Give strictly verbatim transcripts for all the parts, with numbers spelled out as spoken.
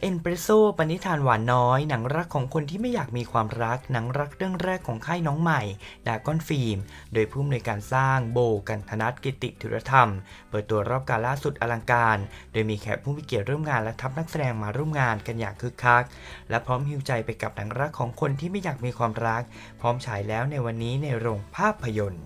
เอ็นเปรสโซ่ปณิธานหวานน้อยหนังรักของคนที่ไม่อยากมีความรักหนังรักเรื่องแรกของค่ายน้องใหม่ดากอนฟิล์มโดยผู้อำนวยการสร้างโบกันธนัทกิติธุรธรรมเปิดตัวรอบกาล่าสุดอลังการโดยมีแขกผู้มีเกียรติร่วมงานและทัพนักแสดงมาร่วมงานกันอย่างคึกคักและพร้อมฮิวใจไปกับหนังรักของคนที่ไม่อยากมีความรักพร้อมฉายแล้วในวันนี้ในโรงภาพยนตร์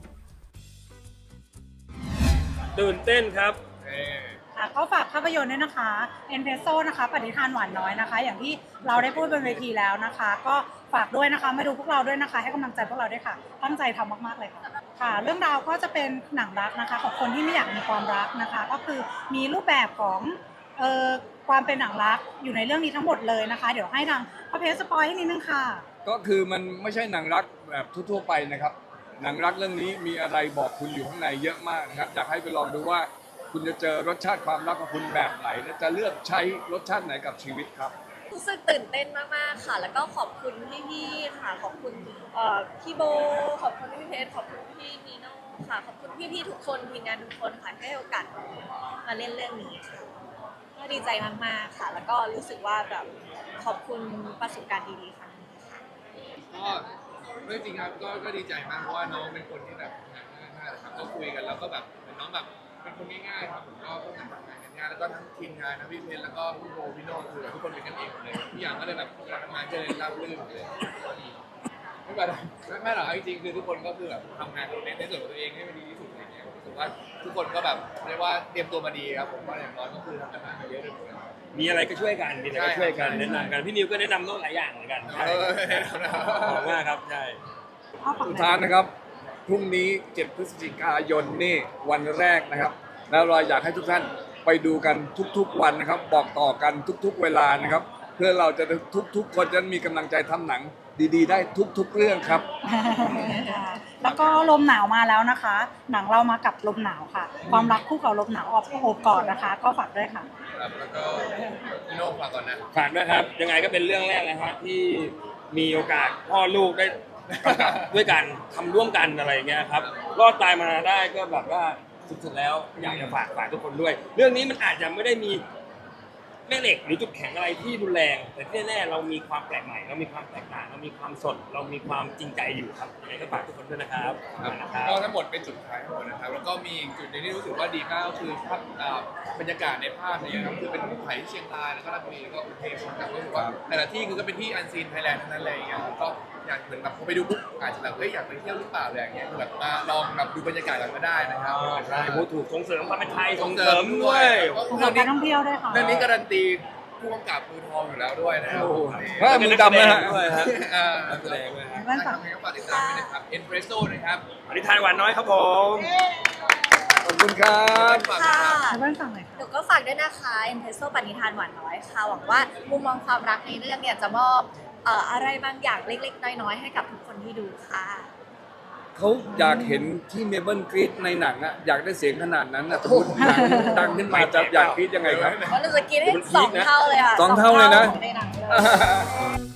ตื่นเต้นครับก็ฝากภาพยนตร์ด้วยนะคะเอ็นเพโซนะคะปฏิทานหวานน้อยนะคะอย่างที่เราได้พูดบนเวทีแล้วนะคะก็ฝากด้วยนะคะมาดูพวกเราด้วยนะคะให้กำลังใจพวกเราด้วยค่ะตั้งใจทำมากๆเลยค่ะค่ะเรื่องราวก็จะเป็นหนังรักนะคะของคนที่ไม่อยากมีความรักนะคะก็คือมีรูปแบบของเอ่อความเป็นหนังรักอยู่ในเรื่องนี้ทั้งหมดเลยนะคะเดี๋ยวให้ทางพ่อเพชรสปอยให้นิดนึงค่ะก็คือมันไม่ใช่หนังรักแบบทั่วๆไปนะครับหนังรักเรื่องนี้มีอะไรบอกคุณอยู่ข้างในเยอะมากนะครับอยากให้ไปลองดูว่าคุณจะเจอรสชาติความรักของคุณแบบไหนและจะเลือกใช้รสชาติไหนกับชีวิตครับรู้สึกตื่นเต้นมากๆค่ะแล้วก็ขอบคุณพี่ๆค่ะขอบคุณพี่โบขอบคุณพี่เพชรขอบคุณพี่นีโน่ค่ะขอบคุณพี่ๆทุกคนทีมงานทุกคนค่ะที่ให้โอกาสมาเล่นเรื่องนี้ค่ะก็ดีใจมากๆค่ะแล้วก็รู้สึกว่าแบบขอบคุณประสบการณ์ดีๆครั้งนี้ค่ะก็เรื่องจริงครับก็ก็ดีใจมากเพราะว่าน้องเป็นคนที่แบบงานง่ายมากเลยครับก็คุยกันแล้วก็แบบเหมือนน้องแบบเป็นคนง่ายๆครับผมก็ก็ทำงานกันง่ายแล้วก็ทั้งทีมงานนะพี่เพชรแล้วก็พี่โบพี่โน่คือทุกคนเป็นกันเองเลยทุกอย่างก็เลยแบบทำงานจะเลยราบรื่นเลยไม่เป็นไรไม่ไม่หรอกจริงๆคือทุกคนก็คือแบบทำงานในในส่วนของตัวเองให้มันดีที่สุดอะไรเงี้ยรู้สึกว่าทุกคนก็แบบเรียกว่าเตรียมตัวมาดีครับผมว่าอย่างน้อยก็คือทำกันมาเยอะเลยมีอะไรก็ช่วยกันมีอะไรก็ช่วยกันแนะนำกันพี่นิวก็แนะนำโน้ตหลายอย่างเหมือนกันใช่ขอบคุณมากครับใช่สุดท้ายนะครับพรุ่งนี้เจ็ดพฤศจิกายนนี่วันแรกนะครับแล้วเราอยากให้ทุกท่านไปดูกันทุกๆวันนะครับบอกต่อกันทุกๆเวลานะครับเพื่อเราจะทุกๆคนจะมีกำลังใจทำหนังดีๆได้ทุกๆเรื่องครับแล้วก็ลมหนาวมาแล้วนะคะหนังเรามากับลมหนาวค่ะความรักคู่กับลมหนาวออกโอบกอดนะคะก็ฝากด้วยค่ะครับแล้วก็พี่โน่ฝากก่อนนะฝากด้วยครับยังไงก็เป็นเรื่องแรกนะฮะที่มีโอกาสพ่อลูกได้ด้วยกันทำร่วมกันอะไรเงี้ยครับรอดตายมาได้ก็แบบว่าสุดๆแล้วอยากจะฝากฝากทุกคนด้วยเรื่องนี้มันอาจจะไม่ได้มีแม่เหล็กหรือจุดแข็งอะไรที่รุนแรงแต่ที่แน่ๆเรามีความแปลกใหม่เรามีความแตกต่างเรามีความสดเรามีความจริงใจอยู่ครับยังไงก็ฝากทุกคนด้วยนะครับก็ทั้งหมดเป็นจุดขายทั้งหมดนะครับแล้วก็มีจุดนึงที่รู้สึกว่าดีมากก็คือภาพบรรยากาศในภาพเนี่ยครับคือเป็นภูเขาที่เชียงรายแล้วก็ราชบุรีแล้วก็กรุงเทพนะครับรู้สึกว่าแต่ละที่คือก็เป็นที่อันซีนไทยแลนด์ทั้งนั้นเลยอย่างเงี้ยก็อยากเหมือนแบบพอไปดูปุ๊บอาจจะแบบเอ้ยอยากไปเที่ยวหรือเปล่าอะไรอย่างเงี้ยแบบมาลองแบบดูบรรยากาศกันก็ได้นะครับใช่พูดถูกส่งเสริมความเป็นไทยส่งเสริมด้วยส่งเสริมการท่องเที่ยวด้วยค่ะเรื่องนี้การันตีผู้กำกับมือทองอยู่แล้วด้วยนะครับถ้ามือดำนะฮะด้วยครับนักแสดงด้วยครับทำให้กับฝากติดตามด้วยนะครับเอ็นเพรสโซ่นะครับปณิธานหวานน้อยครับผมขอบคุณครับค่ะเพื่อนสั่งเลยค่ะหนูก็ฝากด้วยนะคะเอ็นเพโซปณิธานหวานน้อยค่ะหวังว่ามุมมองความรักในเรื่องเนี่ยจะมอบอะไรบางอย่างเล็กๆน้อยๆให้กับทุกคนที่ดูค่ะเขาอยากเห็นที่เมเบิลกรีดในหนังอะอยากได้เสียงขนาดนั้นอะพูดดังขึ้นมาจะอยากกรีดยังไงครับว่าเราจะกินให้สองเท่าเลยค่ะสองเท่าเลยนะในหนังเลย